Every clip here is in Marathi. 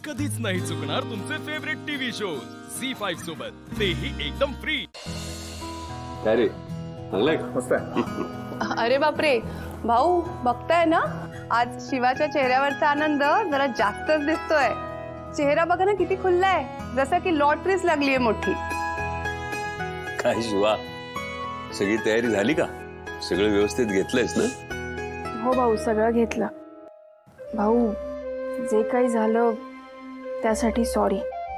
कधीच नाही चुकणार तुमचे फेवरेट टीव्ही शोज झी5 सोबत, तेही एकदम फ्री. काय रे, चांगलंय का? मस्त आहे. अरे बापरे भाऊ, बघताय ना आज शिवाच्या चेहऱ्यावरचा आनंद जरा जास्तच दिसतोय. चेहरा बघा ना किती खुललाय, जसं की लॉटरीच लागलीये मोठी. काय शिवा, सगळी तयारी झाली का? सगळं व्यवस्थित घेतलंयस ना? हो भाऊ, सगळं घेतलं. भाऊ, जे काही झालं त्यासाठी सॉरी,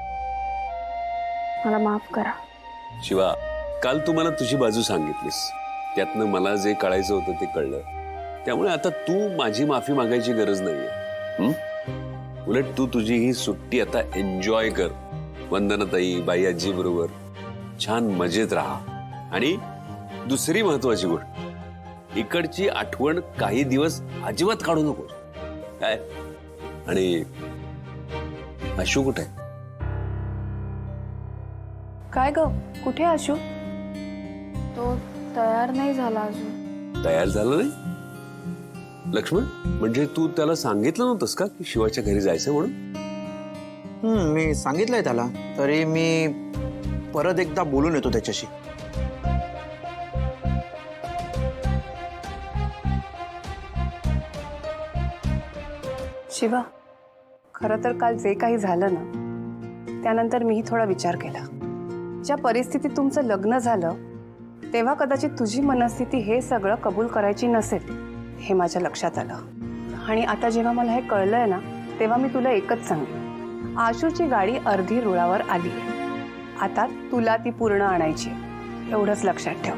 मला माफ करा. शिवा, काल तू मला तुझी बाजू सांगितलीस, त्यातनं मला जे कळायचं होतं ते कळलं. त्यामुळे आता तू माझी माफी मागायची गरज नाहीये. उलट तू तुझी ही सुट्टी आता एन्जॉय कर. वंदनाताई, बाई आजी बरोबर छान मजेत राहा. आणि दुसरी महत्वाची गोष्ट, इकडची आठवण काही दिवस अजिबात काढू नको. काय? आणि आशू कुठे? काय ग, कुठे आशू? तो तयार नाही झाला अजून. तयार झालं नाही? लक्ष्मण, म्हणजे तू त्याला सांगितलं नव्हतंस का की शिवाच्या घरी जायचं म्हणून? मी सांगितलंय त्याला, तरी मी परत एकदा बोलून येतो त्याच्याशी. शिवा, खरं तर काल जे काही झालं ना, त्यानंतर मीही थोडा विचार केला. ज्या परिस्थितीत तुमचं लग्न झालं तेव्हा कदाचित तुझी मनस्थिती हे सगळं कबूल करायची नसेल, हे माझ्या लक्षात आलं. आणि आता जेव्हा मला हे कळलंय ना, तेव्हा मी तुला एकच सांगेन, आशूची गाडी अर्धी रुळावर आली आहे. आता तुला ती पूर्ण आणायची, एवढंच लक्षात ठेव.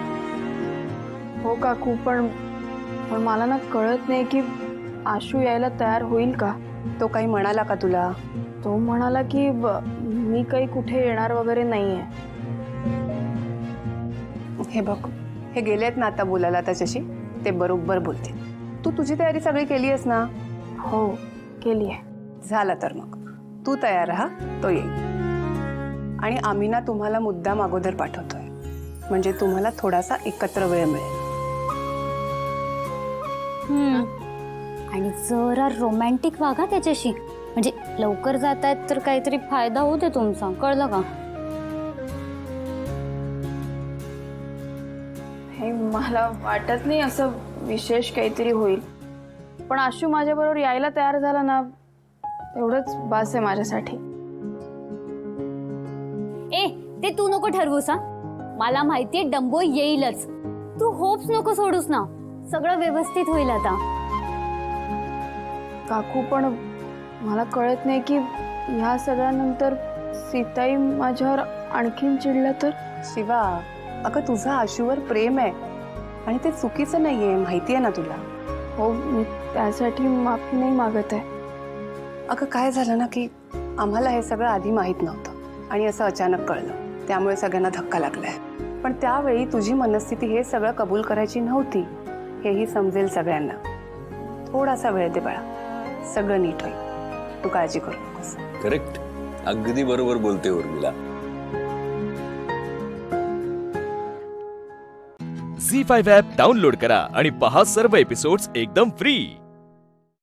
हो काकू, पण मला ना कळत नाही की आशू यायला तयार होईल का. तो काही म्हणाला का तुला? तो म्हणाला की मी काही कुठे येणार वगैरे नाहीये. हे बघ, हे गेलेत ना आता बोलायला त्याच्याशी, ते बरोबर बोलते. तू तुझी तयारी सगळी केली आहेस ना? हो, केली आहे. झालं तर मग तू तयार राहा, तो येईल. आणि आम्ही ना तुम्हाला मुद्दाम अगोदर पाठवतोय, म्हणजे तुम्हाला थोडासा एकत्र वेळ मिळेल. आणि जरा रोमॅन्टिक वागा त्याच्याशी, म्हणजे लवकर जातायत तर काहीतरी फायदा होते तुमचा, कळलं का? हे मला वाटत नाही असं विशेष काहीतरी होईल, पण आशू माझ्याबरोबर यायला तयार झाला ना, एवढंच बास आहे माझ्यासाठी. ए, ते तू नको ठरवूस. मला माहितीये डंबो येईलच. तू होप्स नको सोडूस ना, सगळं व्यवस्थित होईल आता. काकू, पण मला कळत नाही की ह्या सगळ्यानंतर सीताई माझ्यावर आणखीन चिडलं तर. शिवा, अगं तुझं आशूवर प्रेम आहे आणि ते चुकीचं नाहीये, माहिती आहे ना तुला. हो, मी त्यासाठी माफी नाही मागत आहे. अगं काय झालं ना की आम्हाला हे सगळं आधी माहीत नव्हतं आणि असं अचानक कळलं, त्यामुळे सगळ्यांना धक्का लागलाय. पण त्यावेळी तुझी मनस्थिती हे सगळं कबूल करायची नव्हती, हेही समजेल सगळ्यांना. थोडासा वेळ दे बाळा, सगळं नीट होईल, तू काळजी करू नकोस. करेक्ट, अगदी बरोबर बोलते उर्मिला. झी5 ॲप डाउनलोड करा आणि पहा सर्व एपिसोड्स एकदम फ्री.